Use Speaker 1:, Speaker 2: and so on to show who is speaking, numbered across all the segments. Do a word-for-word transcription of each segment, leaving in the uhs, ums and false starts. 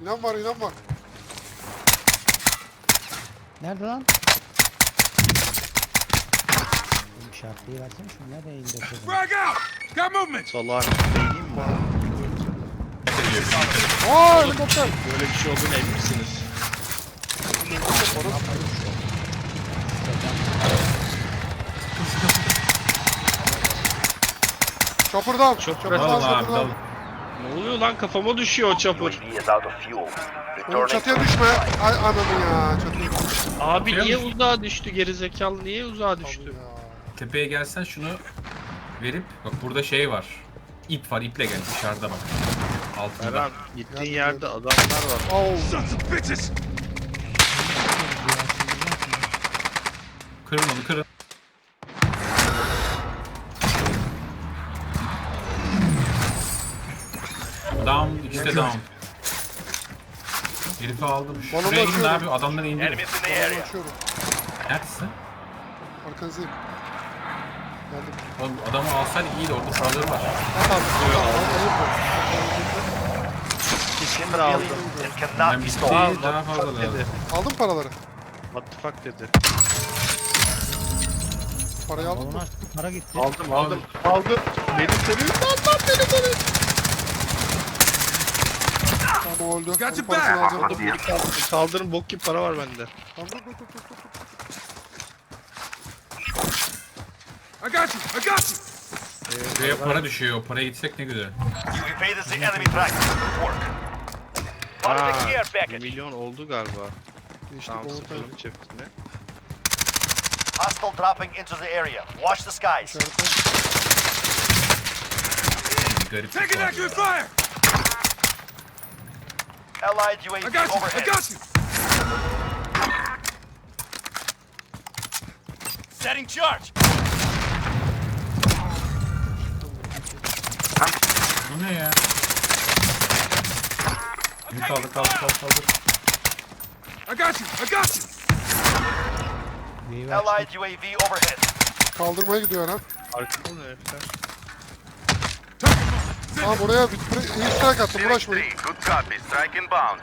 Speaker 1: İnan var, inan var.
Speaker 2: Nerede lan? Oğlum işaretliği versene şunu. Nereye indi o kadın?
Speaker 3: Frag out! Got movement!
Speaker 4: Salağın değilim mi?
Speaker 1: Aa, helikopter.
Speaker 4: Böyle bir şey olduğunu emin misiniz?
Speaker 1: Chopper'dan.
Speaker 4: Çok
Speaker 1: Chopper'dan,
Speaker 5: Dalın abi
Speaker 1: Chopper'dan.
Speaker 5: dalın.
Speaker 4: Ne oluyor lan, kafama düşüyor o çapur.
Speaker 6: U A V is out of fuel.
Speaker 1: Oğlum
Speaker 6: Returning
Speaker 1: çatıya düşme. Ay ananı ya. Çatıya düşme.
Speaker 4: Abi
Speaker 5: Atıyor
Speaker 4: niye
Speaker 5: musun?
Speaker 4: uzağa düştü gerizekalı, niye uzağa düştü?
Speaker 1: Ya.
Speaker 5: Tepeye gelsen şunu verip bak burada şey var. İp var, iple gel dışarıda bak. Altında.
Speaker 4: Eren gittiğin yerde adamlar var.
Speaker 1: Oh.
Speaker 3: Sons of bitches!
Speaker 5: Kırın onu kırın. Down, işte down. Herifi aldım.
Speaker 1: Balonu
Speaker 5: Şuraya gidin
Speaker 1: açıyorum.
Speaker 5: abi, adamları indirin.
Speaker 6: enemies in the
Speaker 1: Balonu
Speaker 6: area.
Speaker 1: açıyorum.
Speaker 5: Neredesin?
Speaker 1: Arkanızdayım. Geldim.
Speaker 5: Oğlum adamı alsaydı iyiydi, orada sağları var.
Speaker 1: At abi.
Speaker 4: Kesin aldım.
Speaker 6: It
Speaker 5: Ben
Speaker 6: cannot be
Speaker 5: bitti,
Speaker 6: stolen.
Speaker 5: daha fazla lazım.
Speaker 4: Dedi.
Speaker 1: Aldın paraları.
Speaker 4: What the fuck dedi.
Speaker 1: Parayı aldın
Speaker 2: Balonu
Speaker 1: mı?
Speaker 2: açtık. Para gitti.
Speaker 4: Aldım aldım. Aldım. Benim senin Allah beni beni.
Speaker 1: Tamam öldü.
Speaker 3: Got
Speaker 1: Onun
Speaker 3: your
Speaker 1: parasını
Speaker 3: back.
Speaker 1: alacağım.
Speaker 4: Dur beni kaldır. Kaldırın, bok gibi para var bende.
Speaker 1: Tamam dur dur dur dur. dur.
Speaker 3: I got you! I got you!
Speaker 5: Buraya para düşüyor, o paraya gitsek ne güzel.
Speaker 6: You evaded the enemy track. Good work. Spotted the care
Speaker 4: Aa, bir
Speaker 6: package.
Speaker 4: milyon oldu galiba.
Speaker 1: Geçtik
Speaker 4: Tamam,
Speaker 1: overtime.
Speaker 4: sıfırın çiftine.
Speaker 6: Hostile dropping into the area. Watch the skies.
Speaker 1: İçeride.
Speaker 5: Garip
Speaker 3: Taking
Speaker 5: bir var
Speaker 3: accurate
Speaker 5: ya.
Speaker 3: fire!
Speaker 6: Allied U A
Speaker 3: I
Speaker 6: V
Speaker 3: got you! I
Speaker 6: overhead.
Speaker 3: got you!
Speaker 6: Setting charge.
Speaker 5: Bu ne ya? Bunu kaldır kaldır kaldır kaldır.
Speaker 3: I got you! I got you!
Speaker 2: Wave'i açtık.
Speaker 6: Allied U A V overhead.
Speaker 1: Kaldırmaya gidiyor ha.
Speaker 4: Arkada ne herifler?
Speaker 1: Tamam buraya bir bir- iyi strike attım. Uğraşmayın.
Speaker 6: Good copy. Strike inbound.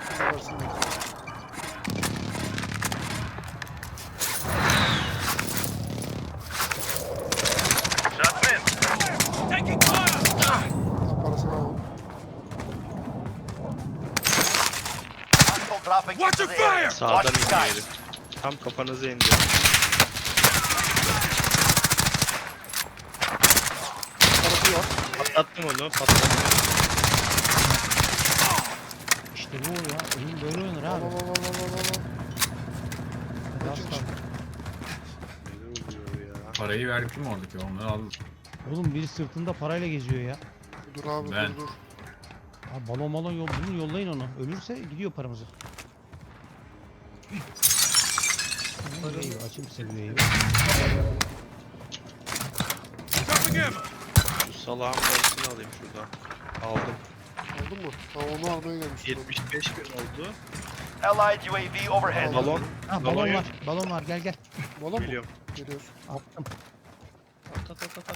Speaker 6: Shots in.
Speaker 3: Taking fire!
Speaker 1: Parasını aldım.
Speaker 6: Hostile dropping
Speaker 3: Watch
Speaker 6: into
Speaker 3: your
Speaker 6: the area.
Speaker 3: fire!
Speaker 6: Watch
Speaker 4: Sağdan
Speaker 6: the
Speaker 4: indi
Speaker 6: skies.
Speaker 4: herif. Tam kafanıza indi.
Speaker 1: Parası var.
Speaker 4: Patlattım onu, patlattım.
Speaker 2: İşte bu ya. Oyun böyle oynanır
Speaker 1: Al
Speaker 2: abi.
Speaker 1: al al al al al, al.
Speaker 2: Hadi aslan.
Speaker 4: Ne oluyor ya?
Speaker 5: Parayı verdik mi oradaki, onları aldık.
Speaker 2: Oğlum biri sırtında parayla geziyor ya.
Speaker 1: Dur abi
Speaker 5: Ben.
Speaker 1: dur dur.
Speaker 2: Abi balon balon yol, bunu yollayın onu. Ölürse gidiyor paramızı. Wave'i açayım size bir wave'i.
Speaker 3: Dropping ammo!
Speaker 4: Şu salağın parasını alayım şuradan. Aldım.
Speaker 1: Aldın mı? Tamam onu almaya gelmiştim.
Speaker 4: yetmiş beş bin oldu.
Speaker 6: Allied U A V overhead.
Speaker 4: Balon.
Speaker 2: Ha
Speaker 4: Balon
Speaker 2: balon
Speaker 4: yok.
Speaker 2: var. Balon var. Gel gel.
Speaker 1: Balon mu?
Speaker 4: Biliyorum.
Speaker 1: Geliyorsun.
Speaker 2: Attım.
Speaker 4: At at at at at.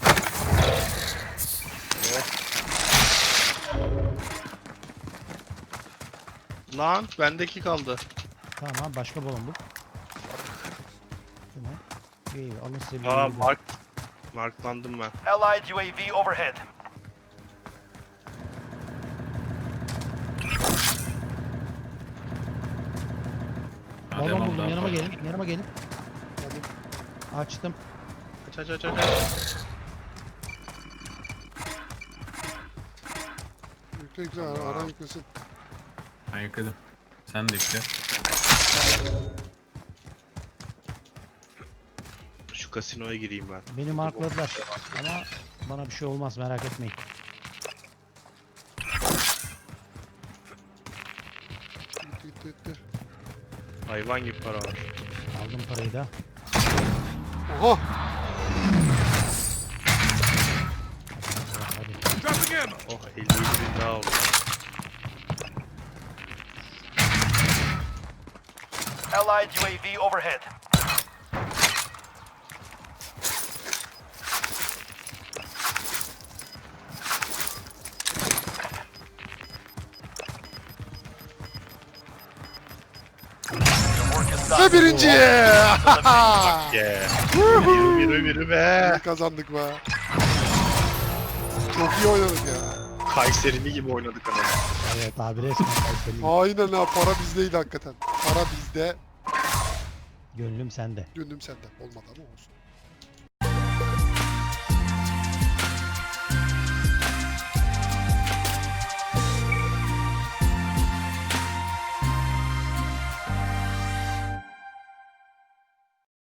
Speaker 4: Lan bendeki kaldı.
Speaker 2: Tamam abi başka balon bul. Bu ne? Wave alın size bir
Speaker 4: Aa
Speaker 2: wave.
Speaker 4: mark. Marklandım ben.
Speaker 6: Allied U A V overhead.
Speaker 5: Ha,
Speaker 2: Balon
Speaker 5: devam,
Speaker 2: buldum.
Speaker 5: daha
Speaker 2: Yanıma
Speaker 5: fazla.
Speaker 2: gelin. Yanıma gelin.
Speaker 1: Geldim.
Speaker 2: Açtım.
Speaker 4: Aç aç aç aç. aç.
Speaker 1: Yükle yükle ara, ara yüklesin.
Speaker 5: Ben yıkadım. Sen de yükle.
Speaker 4: Şu kasinoya gireyim ben.
Speaker 2: Beni markladılar. Ama bana bir şey olmaz merak etmeyin.
Speaker 1: Gitti gitti gitti.
Speaker 4: Hayvan gibi para var.
Speaker 2: Aldım parayı da.
Speaker 1: Oha!
Speaker 2: Hadi.
Speaker 3: Dropping ammo!
Speaker 4: Oh elli yedi bin daha oldu.
Speaker 6: Allied U A V overhead.
Speaker 1: Ve birinci.
Speaker 4: Yeah. Yürü yürü yürü be.
Speaker 1: İyi kazandık be. Çok iyi oynadık ya.
Speaker 4: Kayserili gibi oynadık ama.
Speaker 2: Evet abi resmen Kayseri.
Speaker 1: Aynen ha, para bizdeydi hakikaten. Para bizde.
Speaker 2: Gönlüm sende.
Speaker 1: Gönlüm sende. Olmadı ama olsun.